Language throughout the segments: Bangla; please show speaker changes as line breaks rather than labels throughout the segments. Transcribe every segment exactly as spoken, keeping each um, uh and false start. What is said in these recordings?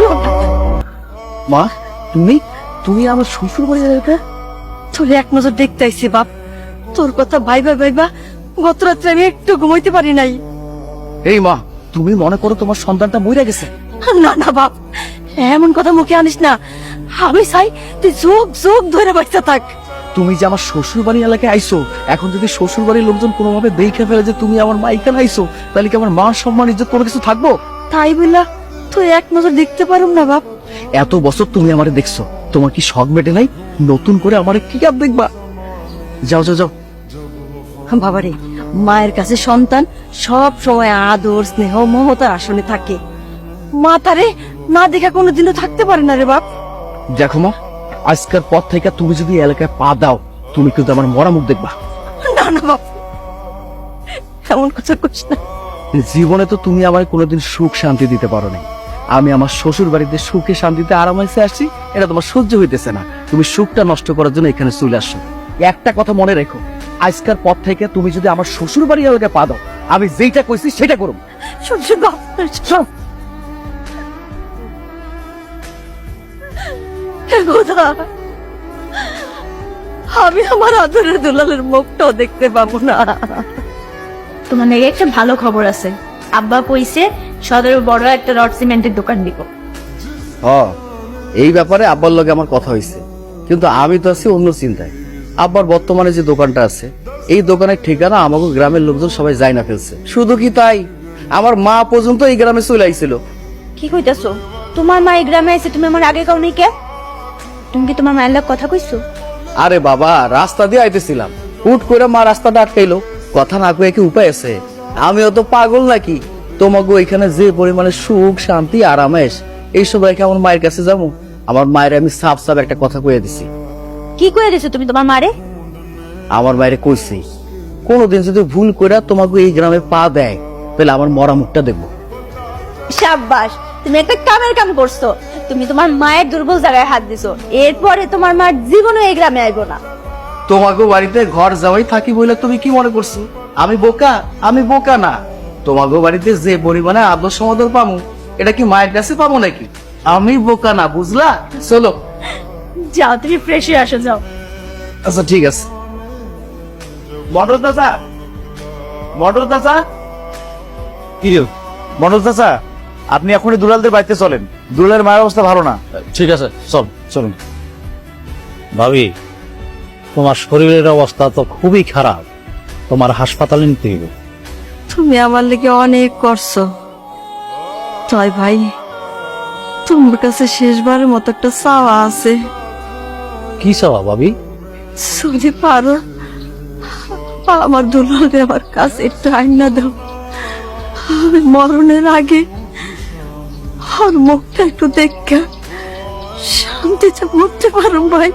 মা তুমি তুমি আমার শ্বশুর বাড়ি এলাকা?
তোর এক নজর দেখতে আইছি বাপ, তোর কথা ভাইবা ভাইবা গত রাত্রে আমি একটু ঘুমাইতে পারি নাই।
এই মা, তুমি মনে করো তোমার সন্তানটা মরে গেছে?
না না বাপ, এমন কথা মুখে আনিস না। আমি চাই তুই যোগ যোগ ধরে বাঁচতে থাক।
তুমি যে আমার শ্বশুর বাড়ি এলাকায় আইসো, এখন যদি শ্বশুর বাড়ির লোকজন কোনোভাবে দেখে ফেলে যে তুমি আমার মা এখানে আইসো, তাহলে কি আমার মান সম্মান ইজ্জত কোনো কিছু থাকবো?
তাই বললা তুই এক নজর দেখতে পারুম না বাপ?
এত বছর তুমি আমারে দেখছো, তোমার কি শখ মেটে নাই? নতুন করে আমারে কি কাপ দেখবা? যাও যাও যাও।
বাবারে, মায়ের কাছে সন্তান সব সময় আদর স্নেহ মমতার আসনে থাকে। মা তারে না দেখা কোনোদিনও থাকতে পারে না রে বাপ।
দেখো মা, আজকের পর থেকে তুমি যদি এলাকায় পা দাও, তুমি কিন্তু আমার মরা মুখ দেখবা।
না না বাপ, এমন কথা কইস না।
জীবনে তো তুমি আমার কোনোদিন সুখ শান্তি দিতে পারো নাই। আমি আমার শ্বশুর বাড়িতে সুখে শান্তিতে আরামাইসে আসছি, এটা তোমার সহ্য হইতেছে না। তুমি সুখটা নষ্ট করার জন্য এখানে চলে আসছো। একটা কথা মনে রেখো, আজকের পর থেকে তুমি যদি আমার শ্বশুর বাড়ি এলাকায় পা দাও, আমি যেটা কইছি সেটা করব।
শ্বশুর বাপ,
চল।
খোদা, আমি আমার আদরের দুলালের মুখটাও দেখতে পাবো না।
তোমার নাকি একটা ভালো খবর আছে। আব্বা কইছে সদরে বড় একটা রড সিমেন্টের দোকান দিব।
হ্যাঁ, এই ব্যাপারে আব্বার লগে আমার কথা হয়েছে, কিন্তু আমি তো আছি অন্য চিন্তায়। আব্বার বর্তমানে যে দোকানটা আছে, এই দোকানের ঠিকানা আমাকে গ্রামের লোকজন সবাই যায় না ফেলছে। শুধু কি তাই, আমার মা পর্যন্ত এই গ্রামে চলে আইছিল।
কি কইতাছো? তোমার মা এই গ্রামে আছে, তুমি আমার আগে কাউ নেই কে? তুমি কি তোমার মায়ের লোক কথা কইছো?
আরে বাবা, রাস্তা দিয়ে আইতেছিলাম, হুট করে মা রাস্তাটা আটকাইলো। কথা না কয়ে কি উপায় আছে? আমিও তো পাগল নাকি? তোমাকে এখানে যে পরিমাণে সুখ শান্তি আরামেশ, এইসব রেখে আমার মায়ের কাছে যাবো? আমার মায়ের আমি সাফ সাফ একটা কথা কয়ে দিছি।
কি কইয়া দিছো তুমি তোমার মারে?
আমার মায়ের কইছি, কোনোদিন যদি ভুল করে তোমাকে এই গ্রামে পা দেয়, তাহলে আমার মরা মুখটা দেখবো।
শাবাশ, তুমি একটা কামের কাম করছো। তুমি তোমার মায়ের দুর্বল জায়গায় হাত দিছো। এরপরে তোমার মা জীবনে এই গ্রামে আইবো না।
তোমাকে বাড়িতে ঘর যাওয়াই থাকি বলে তুমি কি মনে করছো আমি বোকা? আমি বোকা না। তোমাকে বাড়িতে যে পরিমাণে আদর সমাদর পাবো, এটা কি মায়ের কাছে পাবো নাকি? আমি বোকা না, বুঝলা? চলো
যাও, তুমি ফ্রেশ হয়ে আসো, যাও।
আচ্ছা ঠিক আছে। মটর চাচা, মটর চাচা,
কি রে?
মটর চাচা, আপনি এখনই দুলালদের বাড়িতে চলেন। দুলালের মায়ের অবস্থা ভালো না।
ঠিক আছে, চল চলুন। ভাবি, তোমার শরীরের অবস্থা তো খুবই খারাপ, তোমার হাসপাতালে নিতে হবে।
তুমি আমার লেগে অনেক করছো, তাই ভাই তোমার কাছে শেষবারের মতো একটা চাওয়া আছে।
কি চাওয়া ভাবি?
যদি পারো আমার দুলালকে আমার কাছে একটু আইনা দাও। আমি মরণের আগে আর মুখটা একটু দেখা শান্তিতে মরতে পারো ভাই।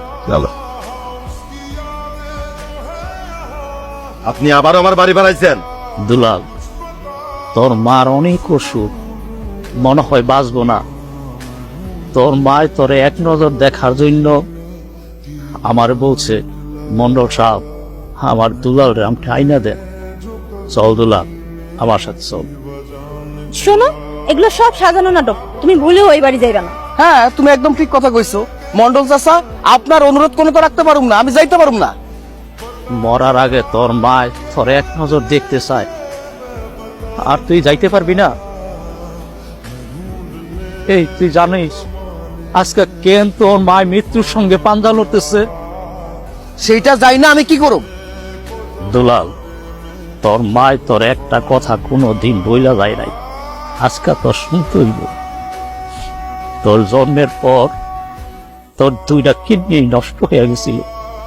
আপনি আবার আমার বাড়ি বানাইছেন?
দুলাল, তোর মার অনেক অসুখ, মনে হয় বাঁচবো না। তোর মায় তোরে এক নজর দেখার জন্য আমার বলছে, মন্ডল সাহেব আমার দুলাল রাম আইনা দেন। চল দুলাল, আমার সাথে চল।
শোনো, এগুলো সব সাজানো নাটক। তুমি ভুলেও ওই বাড়ি যাইবা না।
হ্যাঁ, তুমি একদম ঠিক কথা কইছো। মন্ডল চাচা, আপনার অনুরোধ কোনো তো রাখতে পারুম না, আমি যাইতে পারুম না।
মরার আগে তোর মায় তোর এক নজর দেখতে চায়, আর তুই যাইতে পারবি না? এই তুই জানিস আজকে কেন তোর মায় মৃত্যুর সঙ্গে পাঞ্জা লড়তেছে?
সেইটা যাই না, আমি কি করব?
দুলাল, তোর মায় তোর একটা কথা কোনো দিন বইলা যায় নাই, আজকে তোর শুনতে হইব। তোর জন্মের পর তোর দুইটা কিডনি নষ্ট হয়ে গেছিল,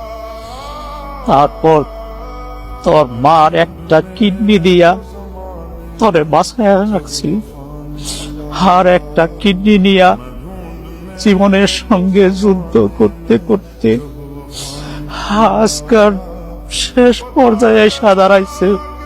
তারপর তোর মার একটা কিডনি দিয়া তোরে বাঁচায় রাখছি, আর একটা কিডনি নিয়া জীবনের সঙ্গে যুদ্ধ করতে করতে আজকাল শেষ পর্যায়ে এসে দাঁড়াইছে।